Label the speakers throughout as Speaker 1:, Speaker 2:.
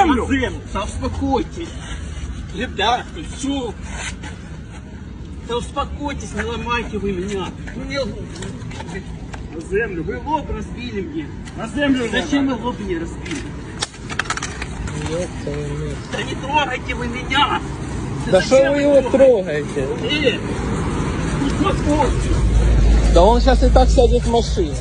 Speaker 1: землю!
Speaker 2: Да успокойтесь. Ребята, все. Да успокойтесь, не ломайте вы меня.
Speaker 1: На землю!
Speaker 2: Вы лоб разбили мне.
Speaker 1: На землю!
Speaker 2: Зачем вы лоб мне разбили? Да не трогайте вы меня!
Speaker 3: Да что вы его трогаете?
Speaker 2: Успокойтесь!
Speaker 3: Да он сейчас и так сядет в машину.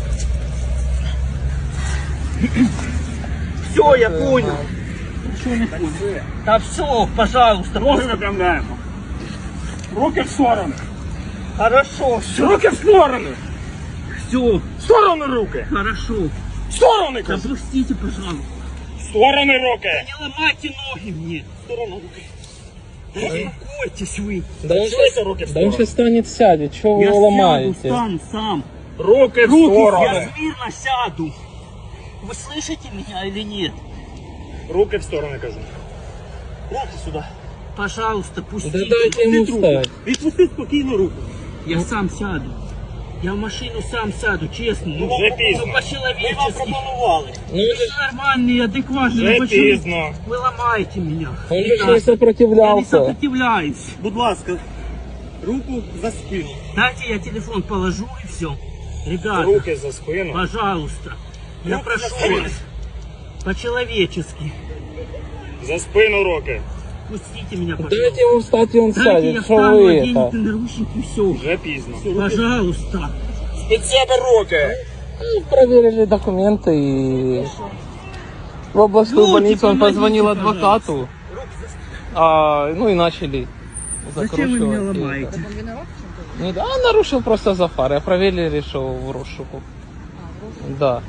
Speaker 2: Все, я понял. Ничего не понял. Да все, пожалуйста.
Speaker 1: Ноги выпрямляем! Руки в стороны!
Speaker 2: Хорошо, все.
Speaker 1: Руки в стороны!
Speaker 2: Все,
Speaker 1: В стороны руки!
Speaker 2: хорошо.
Speaker 1: В стороны! кажу.
Speaker 2: Допустите, пожалуйста.
Speaker 1: В стороны руки!
Speaker 2: Не ломайте ноги мне. В сторону руки. Да успокойтесь вы.
Speaker 3: Да он
Speaker 1: Чуете, руки в
Speaker 3: Да он
Speaker 1: сторону?
Speaker 3: сейчас станет, сядет. Чего вы
Speaker 2: Я
Speaker 3: его
Speaker 2: сяду,
Speaker 3: ломаете?
Speaker 2: стану сам.
Speaker 1: Руки в
Speaker 2: Я
Speaker 1: стороны!
Speaker 2: смирно сяду. Вы слышите меня или нет?
Speaker 1: Руки в стороны, кажу.
Speaker 2: Руки сюда. Пожалуйста, пустите.
Speaker 3: Да дайте ему встать.
Speaker 2: Відпусти спокійно руку. Я сам сяду. Я в машину сам сяду, честно. Ну,
Speaker 1: Вже пізно.
Speaker 2: ну по-человечески.
Speaker 3: Ну,
Speaker 2: Вы же нормальный, адекватный.
Speaker 1: Вже
Speaker 2: ну почему
Speaker 1: пізно.
Speaker 2: вы ломаете меня?
Speaker 3: Он же
Speaker 2: Ребята,
Speaker 3: не
Speaker 2: я не
Speaker 3: сопротивлялся.
Speaker 2: сопротивляюсь.
Speaker 1: Будь ласка, руку за спину.
Speaker 2: Дайте я телефон положу и все. Ребята,
Speaker 1: Руки за спину.
Speaker 2: пожалуйста. Я
Speaker 1: Руки
Speaker 2: прошу
Speaker 1: за спину.
Speaker 2: вас. По-человечески.
Speaker 1: За спину руки.
Speaker 2: Пустите меня, пожалуйста.
Speaker 3: Дайте ему встать, и он
Speaker 2: Дайте я
Speaker 3: сядет. Что
Speaker 2: встану,
Speaker 3: вы
Speaker 2: оденете
Speaker 3: это?
Speaker 2: наручники, все.
Speaker 1: Вже пізно.
Speaker 2: Пожалуйста.
Speaker 1: Під себе руки!
Speaker 3: Ну, проверили документы и в областную
Speaker 2: Люди,
Speaker 3: больницу он
Speaker 2: помогите,
Speaker 3: позвонил
Speaker 2: пожалуйста.
Speaker 3: адвокату. Ну и начали
Speaker 2: Зачем вы меня
Speaker 3: закручивать.
Speaker 2: ломаете?
Speaker 3: Ну да, он нарушил просто за фары, а проверили, что в розшуку. Да.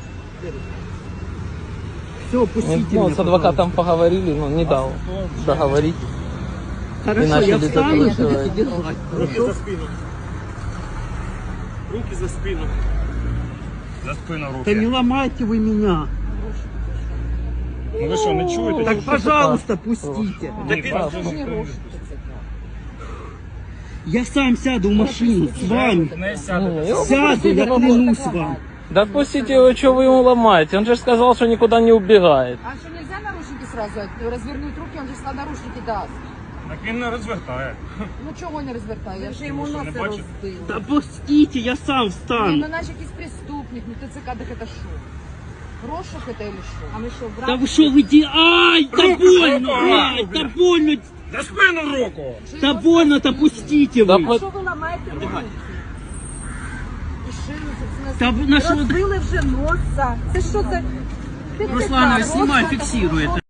Speaker 2: Все, пустите
Speaker 3: Ну,
Speaker 2: меня,
Speaker 3: с адвокатом поговорили, но не дал договорить.
Speaker 2: Хорошо,
Speaker 3: И
Speaker 2: я
Speaker 3: начали
Speaker 2: встану,
Speaker 3: закручивать.
Speaker 2: будете держать.
Speaker 1: Руки
Speaker 2: Хорошо?
Speaker 1: за спину. Руки за спину. За спину
Speaker 2: Да не
Speaker 1: руки.
Speaker 2: ломайте вы меня.
Speaker 1: Ну ви що, не чуєте?
Speaker 2: Так, пожалуйста, пустите.
Speaker 1: Ні,
Speaker 3: Да,
Speaker 2: Я сам сяду в машину с вами.
Speaker 1: Не сяде.
Speaker 2: Сяду, я клянусь вам.
Speaker 3: Да отпустите его, что вы ему ломаете? Он же сказал, что никуда не убегает.
Speaker 4: А что, нельзя наручники сразу развернуть руки, он же всегда наручники даст.
Speaker 1: Так він не розвертає.
Speaker 4: Ну чого не розвертає? Я вже йому
Speaker 1: що, не
Speaker 4: носи
Speaker 1: бачите?
Speaker 4: розбила.
Speaker 2: Да пустите, я сам
Speaker 4: Ну,
Speaker 2: встану.
Speaker 4: наче якийсь преступник, ну ТЦК, так это що? Розшук это или що? А ми що,
Speaker 2: Да
Speaker 4: брат?
Speaker 2: вы что, вы Ай, да больно, ай, да больно.
Speaker 1: За спину руку!
Speaker 2: Да больно-то пустите
Speaker 3: Да
Speaker 2: вы.
Speaker 3: по-
Speaker 4: Що ви ламаєте руки? І шину, це
Speaker 2: Та на що ви-
Speaker 4: розбили вже носа. Це що це?
Speaker 2: Руслана, снимай, фиксируй это.